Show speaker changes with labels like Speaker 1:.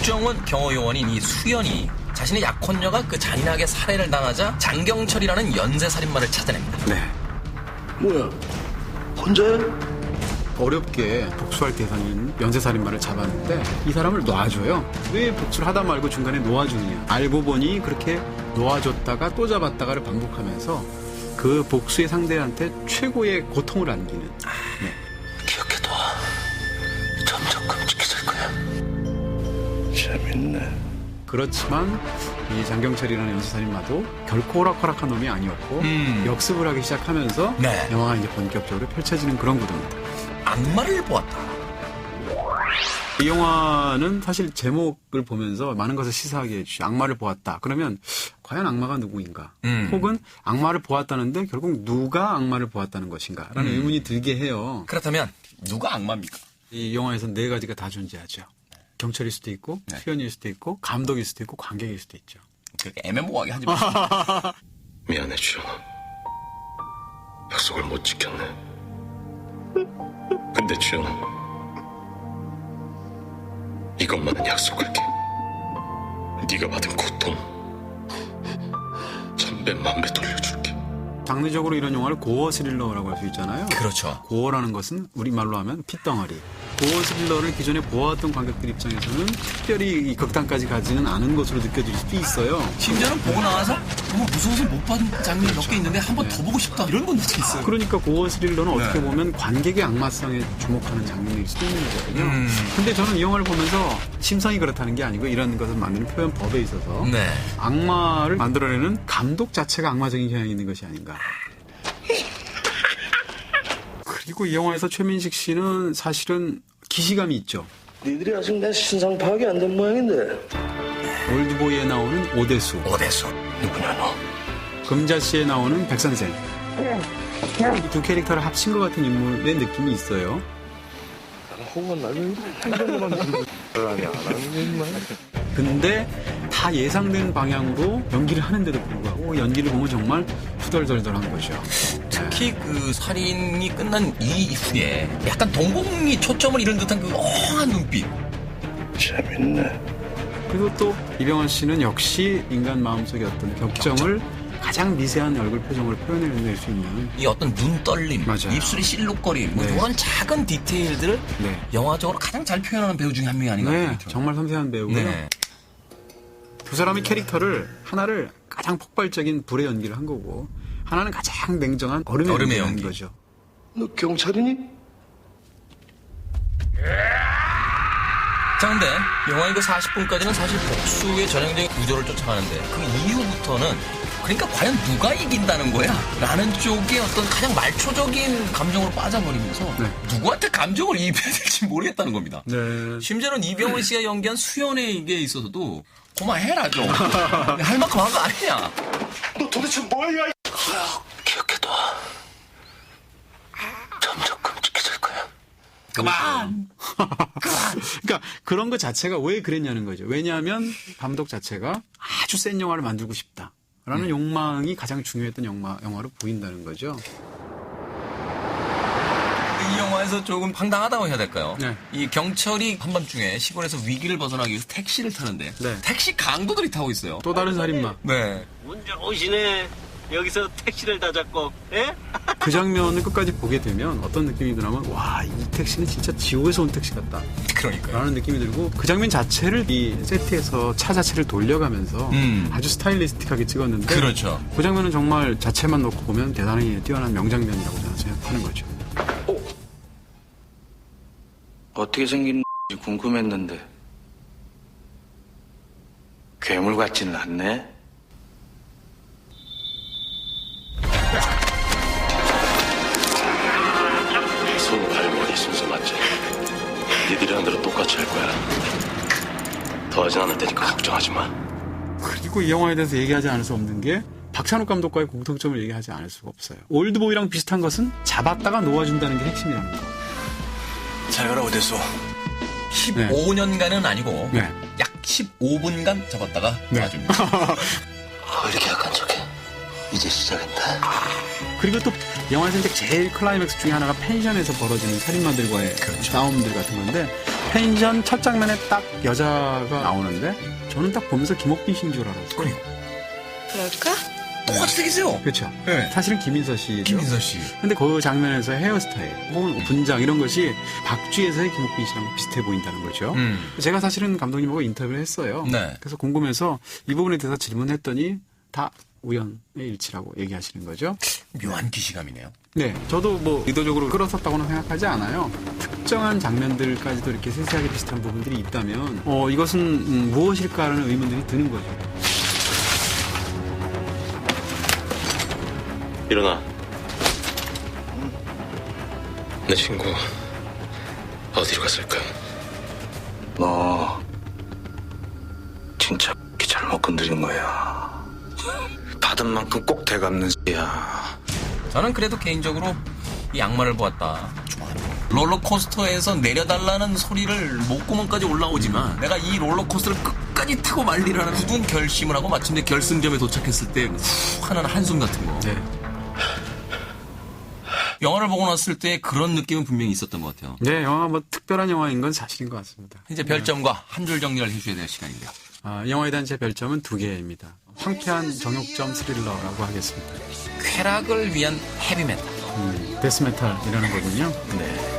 Speaker 1: 국정원 경호요원인 이 수연이 자신의 약혼녀가 그 잔인하게 살해를 당하자 장경철이라는 연쇄살인마를 찾아냅니다.
Speaker 2: 네.
Speaker 3: 뭐야? 혼자야?
Speaker 2: 어렵게 복수할 대상인 연쇄살인마를 잡았는데 이 사람을 놔줘요. 왜 복수를 하다 말고 중간에 놓아주느냐. 알고 보니 그렇게 놓아줬다가 또 잡았다가를 반복하면서 그 복수의 상대한테 최고의 고통을 안기는. 네.
Speaker 3: 기억해둬. 점점 끔찍해질 거야. 재밌네.
Speaker 2: 그렇지만 이 장경철이라는 연쇄살인마도 결코 호락호락한 놈이 아니었고 역습을 하기 시작하면서
Speaker 1: 네.
Speaker 2: 영화가 이제 본격적으로 펼쳐지는 그런 구도입니다.
Speaker 1: 악마를 보았다.
Speaker 2: 이 영화는 사실 제목을 보면서 많은 것을 시사하게 해주죠. 악마를 보았다. 그러면 과연 악마가 누구인가? 혹은 악마를 보았다는데 결국 누가 악마를 보았다는 것인가? 라는 의문이 들게 해요.
Speaker 1: 그렇다면 누가 악마입니까?
Speaker 2: 이 영화에서는 네 가지가 다 존재하죠. 경찰일 수도 있고
Speaker 1: 네.
Speaker 2: 수연일 수도 있고 감독일 수도 있고 관객일 수도 있죠.
Speaker 1: 그렇게 애매모호하게 하지 마세요.
Speaker 3: 미안해, 주영아. 약속을 못 지켰네. 근데 주영아, 이것만은 약속할게. 네가 받은 고통 1000배, 1000배 돌려줄게.
Speaker 2: 장르적으로 이런 영화를 고어 스릴러라고 할 수 있잖아요.
Speaker 1: 그렇죠.
Speaker 2: 고어라는 것은 우리말로 하면 핏덩어리. 고어 스릴러를 기존에 보아왔던 관객들 입장에서는 특별히 이 극단까지 가지는 않은 것으로 느껴질 수도 있어요.
Speaker 1: 심지어는 보고 나와서 너무 무서워서 못 받은 장면이 몇 개 있는데 한 번 더 보고 싶다 이런 분들도 있어요.
Speaker 2: 그러니까 고어 스릴러는 어떻게 보면 관객의 악마성에 주목하는 장면일 수도 있는 거거든요. 근데 저는 이 영화를 보면서 심성이 그렇다는 게 아니고 이런 것을 만드는 표현법에 있어서
Speaker 1: 네.
Speaker 2: 악마를 만들어내는 감독 자체가 악마적인 경향이 있는 것이 아닌가. 그리고 이 영화에서 최민식 씨는 사실은 기시감이 있죠.
Speaker 3: 니들이 아직 내 신상 파악이 안 된 모양인데.
Speaker 2: 올드보이에 나오는 오대수,
Speaker 3: 누구냐 너?
Speaker 2: 금자씨에 나오는 백선생. 이 두 캐릭터를 합친 것 같은 인물의 느낌이 있어요.
Speaker 3: 호흡은 날면 행동만 들고 아니 안 하는 것만.
Speaker 2: 근데 다 예상된 방향으로 연기를 하는데도 불구하고 연기를 보면 정말 후덜덜덜한 거죠.
Speaker 1: 특히 그 살인이 끝난 이후에 약간 동공이 초점을 잃은 듯한 그 엉한 눈빛.
Speaker 3: 재밌네.
Speaker 2: 그리고 또 이병헌 씨는 역시 인간 마음속의 어떤 격정을 가장 미세한 얼굴 표정을 표현해낼 수 있는
Speaker 1: 이 어떤 눈 떨림,
Speaker 2: 맞아요.
Speaker 1: 입술이 실룩거림, 뭐
Speaker 2: 네.
Speaker 1: 이런 작은 디테일들을
Speaker 2: 네.
Speaker 1: 영화적으로 가장 잘 표현하는 배우 중에 한 명이 아닌가.
Speaker 2: 네, 정말 섬세한 배우고요.
Speaker 1: 네.
Speaker 2: 두 사람의 캐릭터를 하나를 가장 폭발적인 불의 연기를 한 거고 하나는 가장 냉정한 얼음의 연기를 한
Speaker 1: 연기.
Speaker 2: 거죠.
Speaker 3: 너 경찰이니?
Speaker 1: 자, 근데 영화의 그 40분까지는 사실 복수의 전형적인 구조를 쫓아가는데 그 이후부터는 그러니까 과연 누가 이긴다는 거야? 라는 쪽에 어떤 가장 말초적인 감정으로 빠져버리면서
Speaker 2: 네.
Speaker 1: 누구한테 감정을 이입해야 될지 모르겠다는 겁니다.
Speaker 2: 네.
Speaker 1: 심지어는 이병헌 씨가 연기한 수연에게 있어서도 고마해라 좀. 할 만큼 한 거 아니냐?
Speaker 3: 너 도대체 뭐야? 기억해둬. 점점 끔찍해질 거야.
Speaker 1: 그만!
Speaker 2: 그러니까 그런 것 자체가 왜 그랬냐는 거죠. 왜냐하면 감독 자체가 아주 센 영화를 만들고 싶다라는 욕망이 가장 중요했던 영화로 보인다는 거죠.
Speaker 1: 이 영화에서 조금 황당하다고 해야 될까요?
Speaker 2: 네.
Speaker 1: 이 경찰이 한밤중에 시골에서 위기를 벗어나기 위해서 택시를 타는데
Speaker 2: 네.
Speaker 1: 택시 강도들이 타고 있어요.
Speaker 2: 또 다른 살인마.
Speaker 1: 네.
Speaker 4: 운 좋으시네. 여기서 택시를 다 잡고, 예?
Speaker 2: 그 장면을 끝까지 보게 되면 어떤 느낌이 드냐면 와, 이 택시는 진짜 지옥에서 온 택시 같다
Speaker 1: 그러니까요.
Speaker 2: 라는 느낌이 들고 그 장면 자체를 이 세트에서 차 자체를 돌려가면서 아주 스타일리스틱하게 찍었는데
Speaker 1: 그렇죠.
Speaker 2: 그 장면은 정말 자체만 놓고 보면 대단히 뛰어난 명장면이라고 저는 생각하는 거죠.
Speaker 5: 어떻게 생긴지 궁금했는데 괴물 같지는 않네.
Speaker 3: 손, 발, 머리 순서 맞지? 니들이 한 대로 똑같이 할 거야. 더하진 않을 테니까 걱정하지 마.
Speaker 2: 그리고 이 영화에 대해서 얘기하지 않을 수 없는 게 박찬욱 감독과의 공통점을 얘기하지 않을 수가 없어요. 올드보이랑 비슷한 것은 잡았다가 놓아준다는 게 핵심이라는 거.
Speaker 1: 잘 가라 오대수. 15년간은 아니고
Speaker 2: 네.
Speaker 1: 약 15분간 잡았다가 놔줍니다.
Speaker 3: 왜 이렇게 약한 척해? 이제 시작했다.
Speaker 2: 그리고 또 영화에서 이제 제일 클라이맥스 중에 하나가 펜션에서 벌어지는 살인마들과의 싸움들 같은 건데 펜션 첫 장면에 딱 여자가 나오는데 저는 딱 보면서 김옥빈 씨인 줄 알았어요.
Speaker 6: 그럴까?
Speaker 1: 똑같이 생겼어요.
Speaker 2: 그렇죠.
Speaker 1: 네.
Speaker 2: 사실은 김인서 씨죠.
Speaker 1: 김인서 씨.
Speaker 2: 근데 그 장면에서 헤어스타일 혹은 분장 이런 것이 박쥐에서의 김옥빈 씨랑 비슷해 보인다는 거죠. 제가 사실은 감독님하고 인터뷰를 했어요.
Speaker 1: 네.
Speaker 2: 그래서 궁금해서 이 부분에 대해서 질문했더니 다 우연의 일치라고 얘기하시는 거죠.
Speaker 1: 묘한 기시감이네요.
Speaker 2: 네, 저도 뭐 의도적으로 끌어섰다고는 생각하지 않아요. 특정한 장면들까지도 이렇게 세세하게 비슷한 부분들이 있다면 이것은 무엇일까라는 의문들이 드는 거죠.
Speaker 3: 일어나. 내 친구 어디로 갔을까?
Speaker 5: 너 진짜 잘못 건드린 거야. 받은 만큼 꼭 되갚는 야.
Speaker 1: 저는 그래도 개인적으로 이 악마를 보았다. 좋아합니다. 롤러코스터에서 내려달라는 소리를 목구멍까지 올라오지만 내가 이 롤러코스터를 끝까지 타고 말리라는 굳은 결심을 하고 마침내 결승점에 도착했을 때 후 하는 한숨 같은 거.
Speaker 2: 네.
Speaker 1: 영화를 보고 났을 때 그런 느낌은 분명히 있었던 것 같아요.
Speaker 2: 네, 영화가 뭐 특별한 영화인 건 사실인 것 같습니다.
Speaker 1: 이제 별점과 한 줄 정리를 해줘야 될 시간인데요.
Speaker 2: 영화에 대한 제 별점은 2개입니다. 황폐한 정육점 스릴러라고 하겠습니다.
Speaker 1: 쾌락을 위한 헤비메탈.
Speaker 2: 데스메탈이라는 거군요.
Speaker 1: 네.